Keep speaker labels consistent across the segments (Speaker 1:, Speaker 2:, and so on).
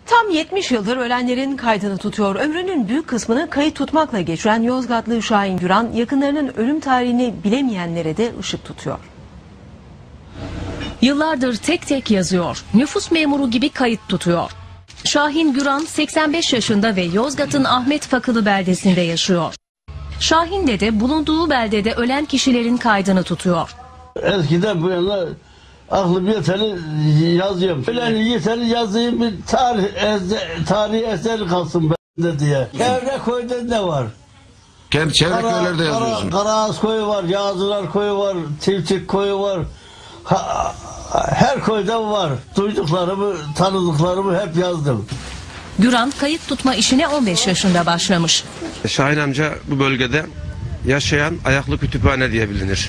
Speaker 1: Tam 70 yıldır ölenlerin kaydını tutuyor. Ömrünün büyük kısmını kayıt tutmakla geçiren Yozgatlı Şahin Güran, yakınlarının ölüm tarihini bilemeyenlere de ışık tutuyor.
Speaker 2: Yıllardır tek tek yazıyor. Nüfus memuru gibi kayıt tutuyor. Şahin Güran 85 yaşında ve Yozgat'ın Ahmet Fakılı beldesinde yaşıyor. Şahin dede bulunduğu beldede ölen kişilerin kaydını tutuyor.
Speaker 3: Eskiden bu yana aklım yeteri yazıyorum. Ölen yeteri yazayım, bir tarihi eser kalsın bende diye. Çevre köyde ne var?
Speaker 4: Kendi çevre köylerde yazıyorsun.
Speaker 3: Karaağız koyu var, Yağcılar koyu var, Tiftik koyu var. Her köyde var. Duyduklarımı, tanıdıklarımı hep yazdım.
Speaker 2: Güran kayıt tutma işine 15 yaşında başlamış.
Speaker 4: Şahin amca bu bölgede yaşayan ayaklı kütüphane diye bilinir.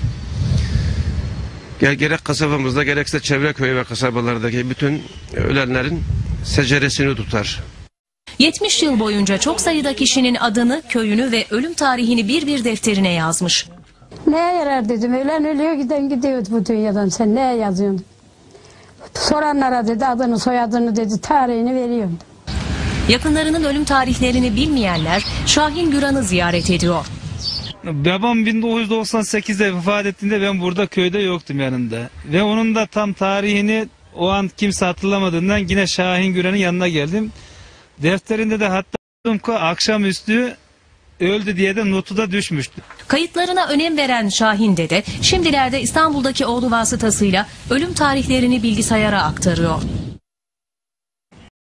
Speaker 4: Gerek kasabamızda gerekse çevre köy ve kasabalardaki bütün ölenlerin seceresini tutar.
Speaker 2: 70 yıl boyunca çok sayıda kişinin adını, köyünü ve ölüm tarihini bir defterine yazmış.
Speaker 5: Neye yarar dedim, ölen ölüyor giden gidiyordu bu dünyadan, sen neye yazıyorsun? Soranlara dedi adını soyadını dedi, tarihini veriyorum.
Speaker 2: Yakınlarının ölüm tarihlerini bilmeyenler Şahin Güran'ı ziyaret ediyor.
Speaker 6: Babam 1998'de vefat ettiğinde ben burada köyde yoktum yanında. Ve onun da tam tarihini o an kimse hatırlamadığından yine Şahin Güran'ın yanına geldim. Defterinde de hatta akşamüstü öldü diye de notu da düşmüştü.
Speaker 2: Kayıtlarına önem veren Şahin dede şimdilerde İstanbul'daki oğlu vasıtasıyla ölüm tarihlerini bilgisayara aktarıyor.